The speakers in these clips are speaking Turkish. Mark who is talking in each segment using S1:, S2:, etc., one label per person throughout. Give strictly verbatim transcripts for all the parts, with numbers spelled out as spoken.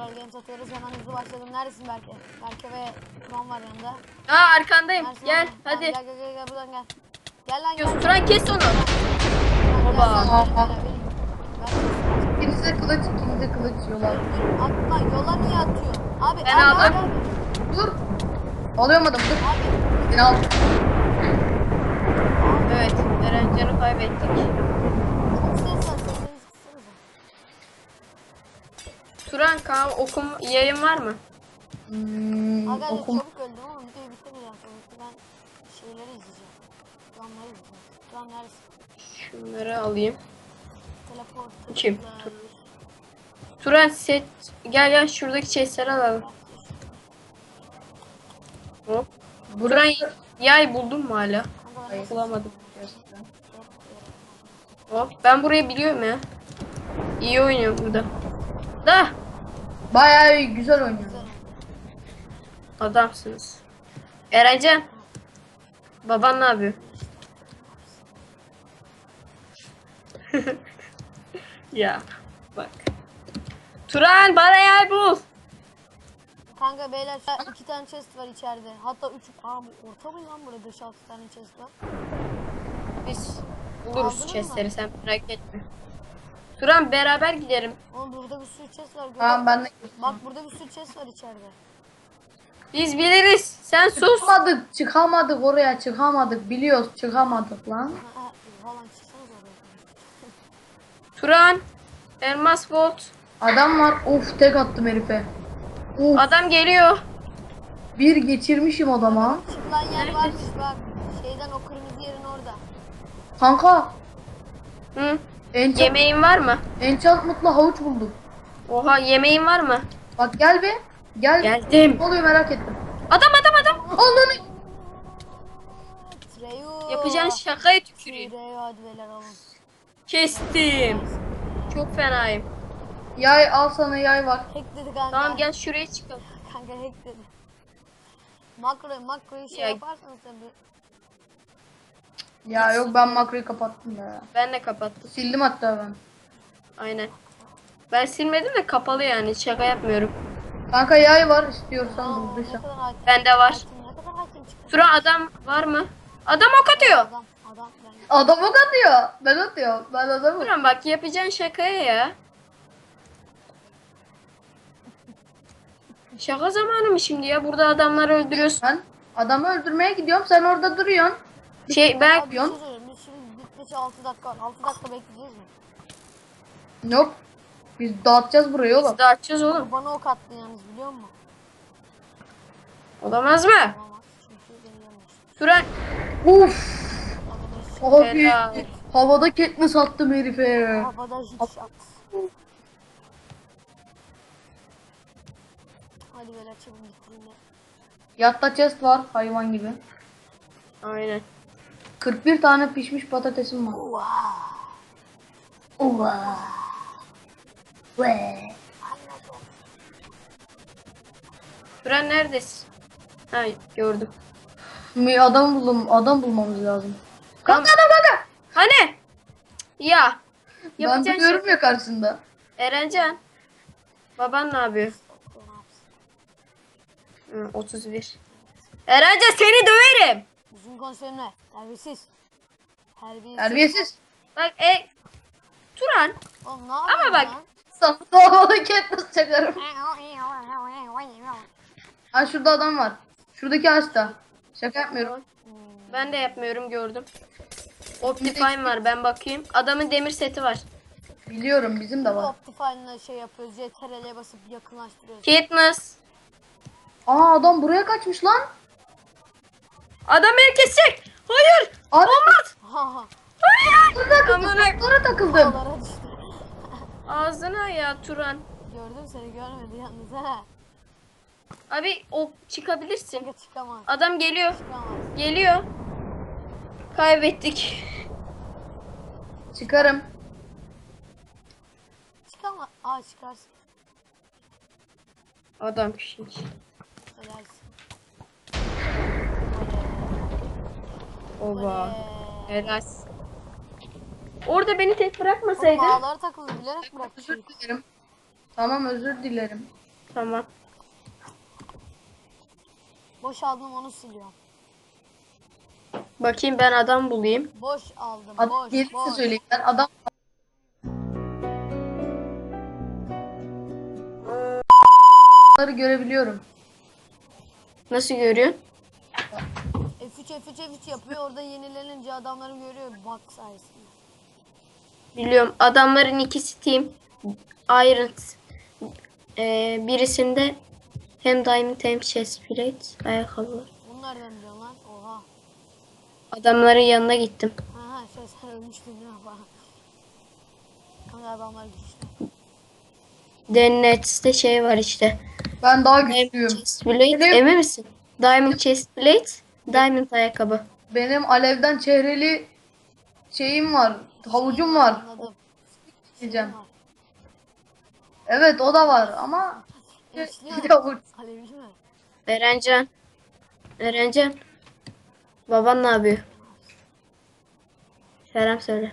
S1: Brawl Games atıyoruz. Hemen hızlı başladım. Neredesin Berke? Berke ve Turan var yanında.
S2: Aa arkandayım.
S1: Neredesin
S2: Gel
S1: oğlum?
S2: hadi.
S1: Tamam, gel gel gel gel buradan gel. Gel lan
S2: Diyorsun,
S1: gel.
S2: Turan kes onu.
S1: Turan, gel,
S2: Baba.
S1: sen benim böyle, benim. Ben-
S3: İkinize kılıç, ikinize kılıç yola.
S1: Dur, atma, yola niye atıyorsun? Abi
S2: Ben
S1: abi,
S2: aldım.
S1: abi, abi.
S3: Dur. Alıyorum adamı dur.
S1: Abi.
S3: Beni al.
S2: Evet. Erencan'ı kaybettik.
S1: Çok ses var. Seslerinizi kıssanıza.
S2: Turan Kaan okum yayın var mı?
S3: Hmm,
S1: Aga
S3: okum.
S1: çabuk öldüm ama videoyu bitirmeyeceğim tabii ki. Ben şeyleri izleyeceğim. Turanları izleyeceğim. Turan neredesin?
S2: Şunları alayım.
S1: Teleport.
S2: Kim?
S1: tıkla.
S2: Turan. Turan set gel gel şuradaki chestleri alalım. Hop. Turan yay buldun mu hala?
S1: Kanka ben nasıl
S2: Bulamadım.
S1: Çok
S2: Hop ben burayı biliyorum ya. İyi oynuyorum burada. Da
S3: Bayağı güzel oynuyor.
S1: güzel.
S2: adamsınız. Erencan. Baban ne yapıyor? Ya bak. Turan bana yer bul.
S1: Kanka beyler şu an iki tane chest var içeride. Hatta üç. Aa bu orta mı lan burada beş altı tane chest var.
S2: Biz
S1: Aldın
S2: buluruz
S1: mı?
S2: chestleri sen merak etme. Turan beraber giderim.
S1: Oğlum burada bir sürü chest var. Görüyor
S3: Tamam ben de.
S1: musun? Bak burada bir sürü chest var içeride.
S2: Biz biliriz. Sen sus.
S3: Çıkamadık, çıkamadık oraya çıkamadık. Biliyoruz çıkamadık lan.
S1: Ha, ha, falan çıksanız oraya.
S2: Turan. Elmas Volt.
S3: Adam var. Of tek attım herife. Of
S2: Adam geliyor.
S3: bir geçirmişim adama.
S1: Çıkılan yer varmış bak. Şeyden o kırmızı yerin orada.
S3: Kanka.
S2: Hı?
S3: Enchant,
S2: Yemeğin var mı?
S3: enchantment'la havuç buldum.
S2: Oha yemeğin var mı?
S3: Bak gel be. Gel.
S2: Geldim.
S3: Ne oluyor merak ettim.
S2: Adam adam adam.
S3: Allah'ını.
S1: Treyu.
S2: Yapacağın şakaya tüküreyim.
S1: Treyu hadi beyler alın.
S2: Kestim. Çok fenayım.
S3: Yay al sana yay var.
S1: Hack dedi kanka.
S2: Tamam gel şuraya çıkalım.
S1: Kanka hack dedi. Makro makroyu şey
S2: Ya-
S1: yaparsanız tabii.
S3: Ya yok ben makroyu kapattım ya.
S2: Ben de kapattım.
S3: Sildim hatta ben.
S2: Aynen. Ben silmedim de kapalı yani. Şaka yapmıyorum.
S3: Kanka yay var istiyorsan
S1: Aa, ne
S3: bulduysan.
S1: kadar hakim.
S2: Bende var.
S1: Hakim, ne kadar hakim çıktı.
S2: Turan adam var mı? Adam ok atıyor.
S1: Adam adam ben.
S3: Adam ok atıyor. Ben atıyorum. Ben adamım.
S2: Turan bak yapacağın şakaya ya. Şaka zamanı mı şimdi ya? Burada adamları öldürüyorsun.
S3: Ben adamı öldürmeye gidiyorum. Sen orada duruyorsun.
S2: Şey ben
S1: Abi bir şey söyleyeyim. Biz şimdi bitmesi altı dakika var. altı dakika bekleyeceğiz mi?
S3: Yok. Biz dağıtacağız burayı oğlum.
S2: biz dağıtacağız oğlum.
S1: Bana ok attın yalnız biliyor musun?
S2: Olamaz mı?
S1: Olamaz. Çünkü beni yemiş.
S2: Turan.
S3: Uf.
S1: Havada hiç,
S3: Abi
S2: Helal.
S3: havada Katniss attım herife.
S1: havada hiç şat. Hadi böyle çabuk bitireyim ya.
S3: Yatta chest var hayvan gibi.
S2: Aynen.
S3: kırk bir tane pişmiş patatesim var.
S1: Wow.
S3: Oha. Ve.
S2: Turan neredesin? Ha gördüm.
S3: Bir adam buldum. Adam bulmamız lazım.
S2: Tamam.
S3: Kanka adam kanka.
S2: Hani? Ya.
S3: Ben
S2: Yapacağın
S3: duruyorum
S2: şey.
S3: ya karşında.
S2: Erencan. Baban ne yapıyor? Hı, otuz bir. Erencan seni döverim.
S1: Uzun konserimle. Terbiyesiz. Terbiyesiz.
S3: Terbiyesiz.
S2: Bak e Turan.
S1: Oğlum ne yapıyorsun
S2: bak-
S1: lan?
S3: Sana havada Katniss çakarım. Ha şurada adam var. Şuradaki ağaçta. Şaka yapmıyorum.
S2: Ben de yapmıyorum gördüm. Optifine var ben bakayım. Adamın demir seti var.
S3: Biliyorum bizim de var.
S1: Optifine'la şey yapıyoruz. C T R L'ye basıp yakınlaştırıyoruz.
S2: Katniss.
S3: Aa adam buraya kaçmış lan.
S2: Adam beni kesecek. Hayır.
S3: Abi
S2: Olmaz.
S1: Ha ha.
S2: Hayır.
S3: takıldım.
S2: Amına
S3: Sonra takıldım.
S1: Dağlara düştü.
S2: ağzına ya Turan.
S1: Gördüm seni görmedi yalnız ha.
S2: Abi o çıkabilirsin.
S1: Kanka çıkamaz.
S2: Adam geliyor.
S1: Çıkamaz.
S2: Geliyor. Kaybettik.
S3: Çıkarım.
S1: Çıkamaz. Aa çıkarsın.
S2: Adam kişilik.
S1: Edersin.
S2: Oba.
S1: Oley.
S2: Helal. Orada beni tek
S1: Oğlum
S2: bırakmasaydın.
S1: ağlara takıldı bilerek bıraktı
S3: Özür
S1: çocuk.
S3: dilerim. Tamam özür dilerim.
S2: Tamam.
S1: Boş aldım onu siliyorum.
S2: Bakayım ben adam bulayım.
S1: Boş aldım.
S3: Adam
S1: boş
S3: gelirse
S1: boş.
S3: söyleyeyim. Ben adam Bunları görebiliyorum.
S2: Nasıl görüyorsun?
S1: F üç F üç F üç yapıyor. Orada yenilenince adamları görüyor bak sayesinde.
S2: Biliyorum. Adamların ikisi team. Iron. Ee, birisinde hem diamond hem chest plate ayakkabı var.
S1: Bunu nereden biliyorsun lan? Oha.
S2: Adamların yanına gittim.
S1: Ha ha şey sen ölmüştün değil mi falan. Kanka adamlar güçlü.
S2: Dennet'te şey var işte.
S3: Ben daha
S2: Diamond
S3: güçlüyüm.
S2: chest plate.
S3: Benim-
S2: Emin misin? Diamond chest plate. Diamond ayakkabı.
S3: Benim alevden çehreli şeyim var. Havucum var.
S1: Anladım.
S3: Diyeceğim.
S1: Var.
S3: Evet o da var ama
S1: Eşli
S3: bir
S1: mi?
S3: de havuç.
S1: Alevli mi?
S2: Erencan. Erencan. Baban ne yapıyor? Selam söyle.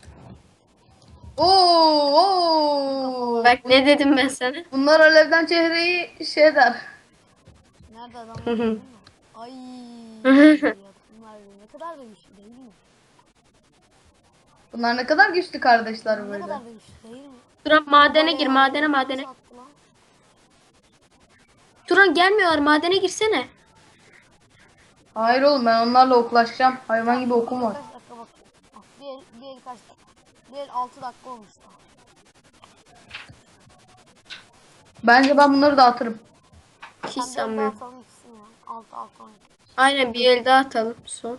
S3: Oo, oo.
S2: Bak ne dedim ben sana?
S3: Bunlar alevden çehreyi şey der.
S1: Nerede
S2: Hı
S1: adamlar
S2: hı.
S1: değil mi? Ay. Bunlar ne kadar da güçlü değil mi?
S3: Bunlar ne kadar güçlü kardeşler
S1: Ne
S3: böyle.
S1: kadar da güçlü değil mi?
S2: Turan madene
S1: Bayağı
S2: gir madene
S1: nasıl
S2: madene.
S1: attı lan?
S2: Turan gelmiyorlar madene girsene.
S3: Hayır oğlum ben onlarla oklaşacağım. Hayvan gibi okum var.
S1: Kaç dakika bakayım. Ah, bir el, bir el kaç dakika? Bir el altı dakika olmuş daha.
S3: Bence ben bunları dağıtırım.
S2: Hiç
S1: Sen bir el daha
S2: sanmıyorum.
S1: atalım gitsin ya. Altı altı on.
S2: Aynen bir el daha atalım son.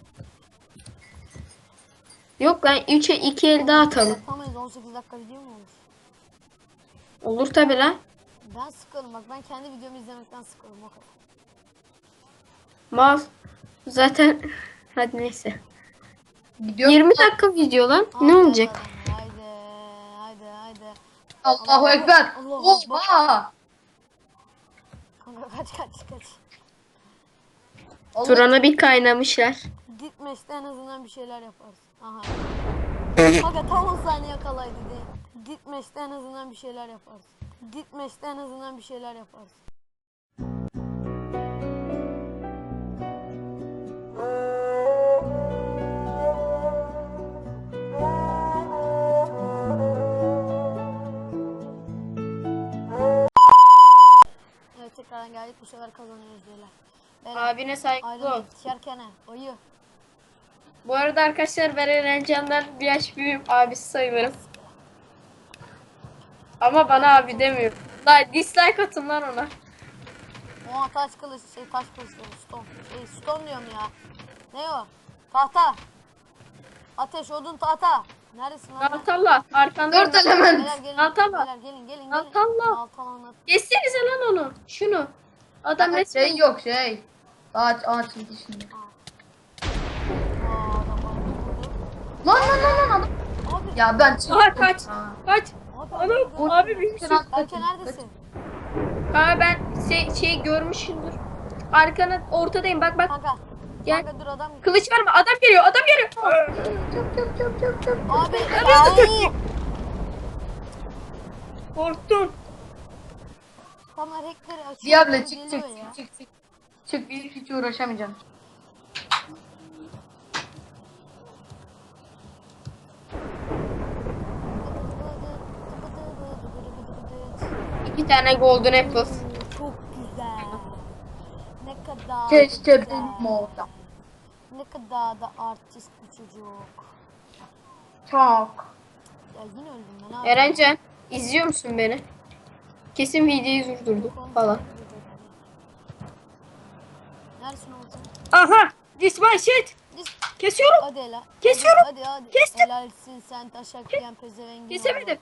S2: Yok lan üçe iki el daha atalım.
S1: Yapamayız on sekiz dakika video mu olur?
S2: Olur tabi lan.
S1: Ben sıkıldım bak ben kendi videomu izlemekten sıkıldım o kadar.
S2: Mal. Zaten hadi neyse.
S3: Gidiyor.
S2: yirmi dakika video lan. Ne
S1: Haydi
S2: olacak?
S1: adam, Haydi haydi haydi.
S3: Allahu Ekber.
S1: Allahu Ekber.
S3: Oha.
S1: Kanka kaç kaç kaç.
S3: Allah-
S2: Turan'a bir kaynamışlar.
S1: Gitmeşte en azından bir şeyler yaparız. Aha. Kanka tam on saniye yakalaydı diye. Gitmeşte en azından bir şeyler yaparız. Gitmeşte en azından bir şeyler yaparız. Evet tekrardan geldik bu sefer kazanıyoruz beyler. Beyler.
S2: Abine saygılı ol.
S1: Ayrılık içerken oyu.
S2: Bu arada arkadaşlar ben Erencan'dan bir yaş büyüğüm. Abisi sayılırım. Ama bana abi demiyor. Like, dislike atın lan ona.
S1: Oha taş kılıç şey taş kılıç diyorum stone. Şey stone diyorum ya. Ne o? Tahta. Ateş odun tahta. Neredesin lan?
S2: Altallah arkandayım.
S3: Dört element.
S1: Beyler gelin.
S2: Altallah.
S1: Beyler gelin gelin gelin.
S2: Altallah.
S1: Altallah.
S2: Geçsenize lan onu. Şunu. Adam
S3: Şey
S2: resmen.
S3: yok şey. Ağaç ağaç şimdi.
S1: Aa adam bana vurdu.
S3: Lan lan lan lan adam.
S1: Abi.
S3: Ya ben çıktım.
S2: Aha kaç.
S3: Ha.
S2: Kaç.
S1: Abi.
S2: Anam abi bir şey.
S1: Berke neredesin?
S2: Ha ben şey, şey görmüşümdür. Arkana ortadayım bak bak.
S1: Kanka.
S2: Gel.
S1: Kanka dur adam.
S2: Kılıç var mı? Adam geliyor. Adam geliyor.
S3: Çöp çöp çöp çöp çöp.
S1: Abi. Ay.
S2: Korktum.
S1: Adamlar hackleri açıyor.
S3: Diable
S1: böyle
S3: çık çık
S1: geliyor ya.
S3: çık çık çık. Çık çık hiç uğraşamayacağım.
S2: İki tane golden apple.
S1: Oo, çok güzel. Ne kadar
S3: Keşke
S1: güzel.
S3: benim olsa.
S1: Ne kadar da artist bir çocuk.
S3: Çok.
S1: Ya yine öldüm ben abi.
S2: Erencan izliyor musun beni? Kesin videoyu durdurdu falan.
S1: Neredesin oğlum sen?
S2: Aha! This my shit!
S1: Dis-
S2: Kesiyorum!
S1: Hadi hele.
S2: Kesiyorum.
S1: Hadi hadi.
S2: Kestim.
S1: Helalsin sen taşak yiyen pezevengin.
S2: Kesemedim.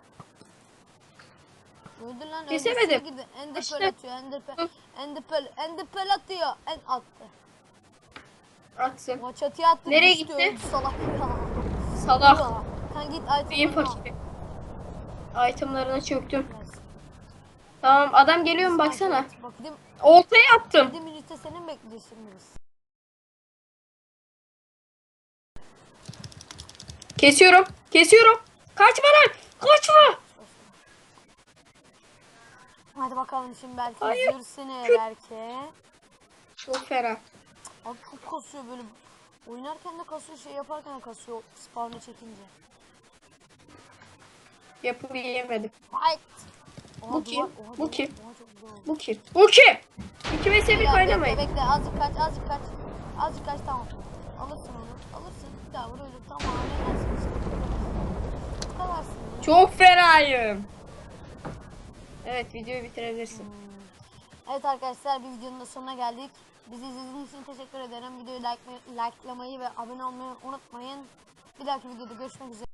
S1: oğlu. Öldür lan.
S2: Kesemedim.
S1: öldürsün gidi. Ender
S2: İşte.
S1: pearl atıyor. Ender pearl. Ender pearl. Ender pearl atıyor. En attı.
S2: Atsın.
S1: O çatıya attı.
S2: Nereye
S1: düştü,
S2: gitti?
S1: öldü salak ya.
S2: Salak.
S1: Ya. Sen git
S2: Beyin
S1: item'ını al.
S2: fakiri. Itemlarına çöktüm.
S1: Yes.
S2: Tamam adam geliyor mu baksana.
S1: Bak dedim,
S2: Oltayı attım.
S1: dedim minütte senin bekleyeceğiz şimdi biz.
S2: Kesiyorum. Kesiyorum. Kaçma lan. Kaçma.
S1: Hadi bakalım şimdi belki
S2: Hayır.
S1: üzülürsün belki.
S2: Çok ferah.
S1: Abi çok kasıyor böyle. Oynarken de kasıyor, şey yaparken de kasıyor spawn'ı çekince.
S2: Yapıp yiyemedim.
S1: Fight! Oha,
S2: Bu kim?
S1: duvar- oha,
S2: Bu
S1: duvar-
S2: kim?
S1: oha, çok güzel oldu.
S2: Bu kim? Bu kim? İki ve
S1: Bekle,
S2: sevik oynamayın.
S1: Bekle bekle azıcık kaç azıcık kaç. Azıcık kaç tamam. Alırsın onu. Alırsın. Bir daha vur öyle. Tamam ne dersin işte. Bu kadarsın ya.
S2: Çok fenayım. Evet videoyu bitirebilirsin.
S1: Evet arkadaşlar bir videonun da sonuna geldik. Bizi izlediğiniz için teşekkür ederim. Videoyu like, likelamayı ve abone olmayı unutmayın. Bir dahaki videoda görüşmek üzere.